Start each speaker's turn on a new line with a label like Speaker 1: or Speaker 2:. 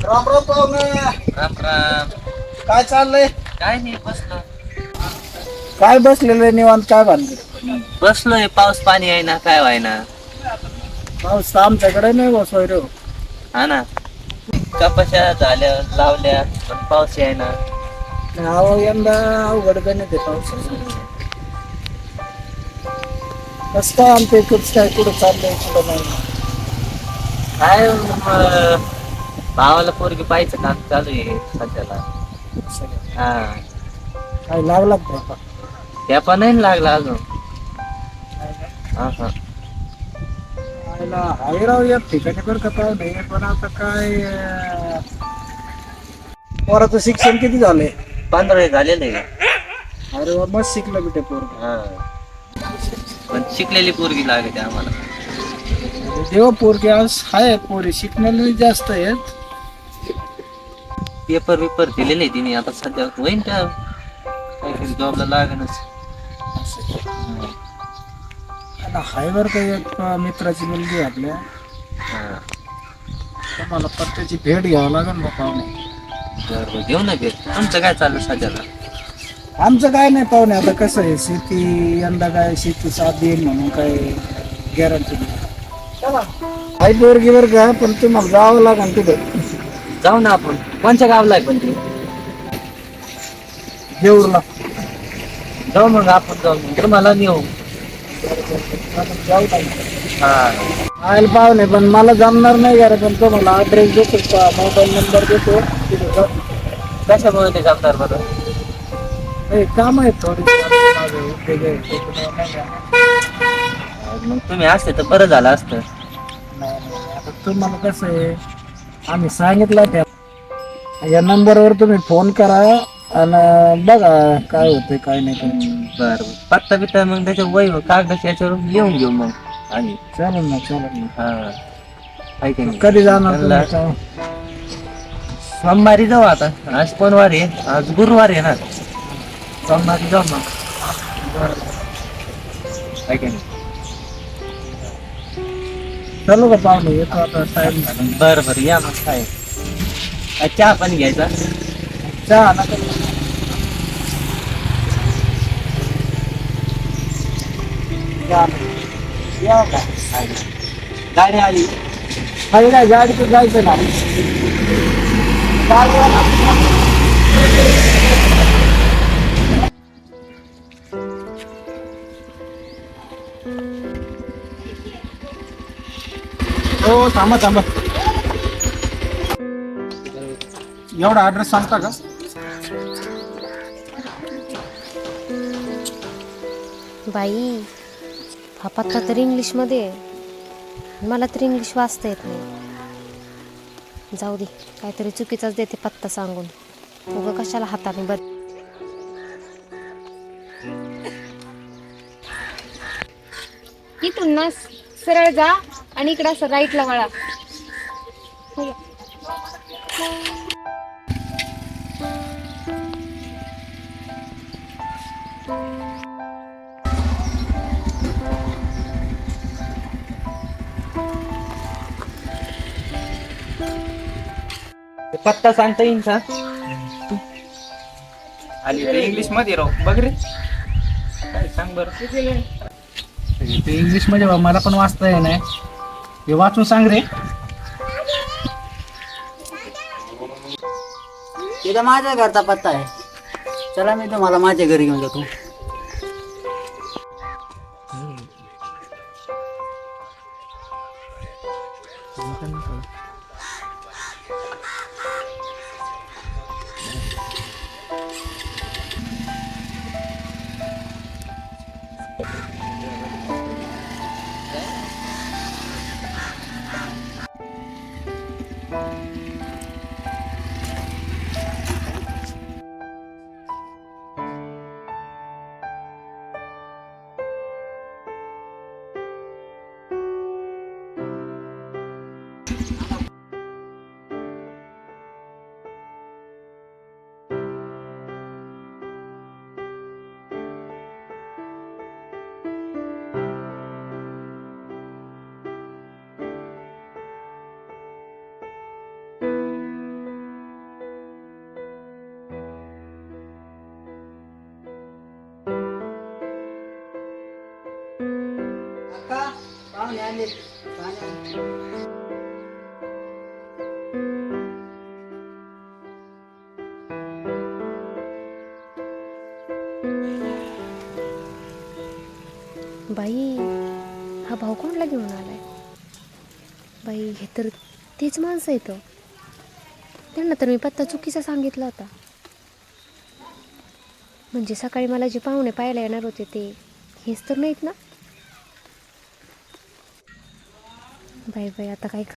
Speaker 1: राम राम पाहुणे.
Speaker 2: राम राम.
Speaker 1: काय चाललंय?
Speaker 2: काय नाही, बसलो.
Speaker 1: काय बसलेलं निवांत, काय भानगड?
Speaker 2: बसलोय, पाऊस पाणी आहे ना, काय व्हाय ना.
Speaker 1: पाऊस तर आमच्याकडे नाही बा सोयरे.
Speaker 2: हा ना, कपाश्या झाल्या लावल्या पण पाऊस यायना.
Speaker 1: अहो यंदा अवघड गणित आहे पावसाचं. कसं काय आमच्या इकडचं काय कुठं चाललंय कुठं नाही.
Speaker 2: काय भावाला पोरगी पाहायचं काम चालू आहे सध्याला. हा,
Speaker 1: काय लागला का बापा?
Speaker 2: ठेपा नाही लागला अजून. हा हा.
Speaker 1: आयला आहे राव एक ठिकाणी बरं का पाहुणे, पण आता काय पोराचं शिक्षण किती झालंय?
Speaker 2: 15वी झालेलं आहे.
Speaker 1: अरे वा, मस्त शिकलं बेटे पोरगं.
Speaker 2: हा, पण शिकलेली पोरगी लागते आम्हाला.
Speaker 1: देव पोरगी आज आहे, पोरी शिकण्याला जास्त आहेत.
Speaker 2: पेपर बिपर दिलेले आहे तिने, आता सध्या होईन का काहीतरी जॉबला लागणच.
Speaker 1: हाय बरं का एक मित्राची मुलगी आहे आपल्या.
Speaker 2: हा,
Speaker 1: मला पत्त्याची भेट घ्यावं लागेल ना पाहुणे.
Speaker 2: बरं घेऊ ना भेट. तुमचं काय चाललं सध्याला?
Speaker 1: आमचं काय नाही पाहुणे, आता कसं आहे शेती यंदा काय शेती साथ देईल म्हणून काय गॅरंटी नाही. हाय पोरगी बरं का, पण तुम्हाला जावं लागेल तिथं.
Speaker 2: जाऊ ना आपण. कोणत्या गावला आहे पण ती?
Speaker 1: देऊरला.
Speaker 2: जाऊ मग आपण, जाऊ तुम्हाला नेऊ.
Speaker 1: जाऊ
Speaker 2: हा,
Speaker 1: आयल पाहुणे, पण मला जमणार नाही का रे, पण तुम्हाला ॲड्रेस देतो, मोबाईल नंबर देतो तिथे जा.
Speaker 2: कशामुळे ते जमणार बरं?
Speaker 1: काम आहे थोडी.
Speaker 2: मग तुम्ही असते तर बरं झालं असतं.
Speaker 1: नाही आता तुम्हाला कसं आहे, आम्ही सांगितलं त्या या नंबरवर तुम्ही फोन करा आणि बघा काय होतंय काय नाही काय.
Speaker 2: बरं, पत्ता बित्ता मग त्याच्या वही कागदाच्या याच्यावर लिहून घेऊ मग. आणि
Speaker 1: चालेल ना चालेल ना.
Speaker 2: हा, आहे की नाही?
Speaker 1: कधी जाणार तुम्ही?
Speaker 2: सोमवारी जाऊ. आता आज कोणवार आहे? आज गुरुवार आहे ना. सोमवारी जाऊ मग. आहे की नाही?
Speaker 1: चालू का पाहुणे, येतो आता टाइम झाला.
Speaker 2: बरं बरं, या मग. काय चहा पण घ्यायचा?
Speaker 1: चहा नका. या का
Speaker 2: गाडी आली.
Speaker 1: खाली नाही, गाडीतून जायचं ना. हो, थांबा थांबा. एवढा ॲड्रेस सांगता का?
Speaker 3: बाई, हा पत्ता तर इंग्लिशमध्ये आहे. मला तर इंग्लिश वाचता येत नाही. जाऊ दे, काहीतरी चुकीचाच देते पत्ता सांगून. उगा कशाला हाताने
Speaker 4: इथून ना सरळ जा आणि इकडं असं राईटला वळा.
Speaker 2: पत्ता सांगता येईल का? आली ते इंग्लिश मध्ये राव, बघ रे. काय सांग बरं.
Speaker 1: ते इंग्लिश मध्ये मला पण वाचता येणार. हे वाचून सांग रे.
Speaker 5: तिथं माझ्या घरचा पत्ता आहे. चला मी तुम्हाला माझ्या घरी घेऊन जातो. पाहुणे आले पाहुणे आले.
Speaker 3: बाई हा भाऊ कोणला घेऊन आलाय? बाई हे तर तेच माणसं येतं. त्यांना तर मी पत्ता चुकीचा सांगितला होता. म्हणजे सकाळी मला जे पाहुणे पाहायला येणार होते ते हेच तर नाहीत ना. बाई बाई आता काय